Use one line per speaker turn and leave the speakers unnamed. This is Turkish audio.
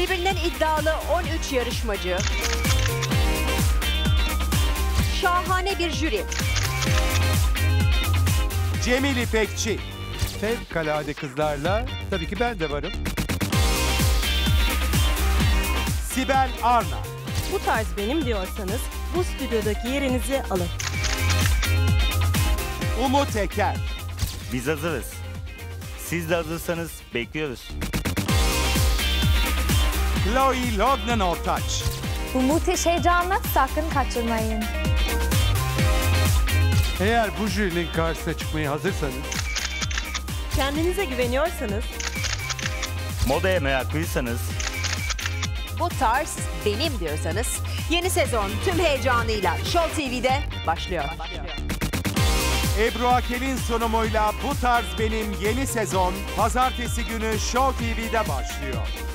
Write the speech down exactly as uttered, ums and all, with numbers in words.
Birbirinden iddialı on üç yarışmacı. Şahane bir jüri.
Cemil İpekçi.
Fevkalade kızlarla tabii ki ben de varım.
Sibel Arna.
Bu tarz benim diyorsanız bu stüdyodaki yerinizi alın.
Umut Eker.
Biz hazırız. Siz de hazırsanız bekliyoruz.
Chloe Lognan Ortaç.
Bu müthiş heyecanla sakın kaçırmayın.
Eğer bu jürinin karşısına çıkmaya hazırsanız
Kendinize güveniyorsanız
Modaya meraklıysanız
Bu tarz benim diyorsanız yeni sezon tüm heyecanıyla Show T V'de başlıyor.
Ebru Akel'in sunumuyla Bu Tarz Benim yeni sezon pazartesi günü Show T V'de başlıyor.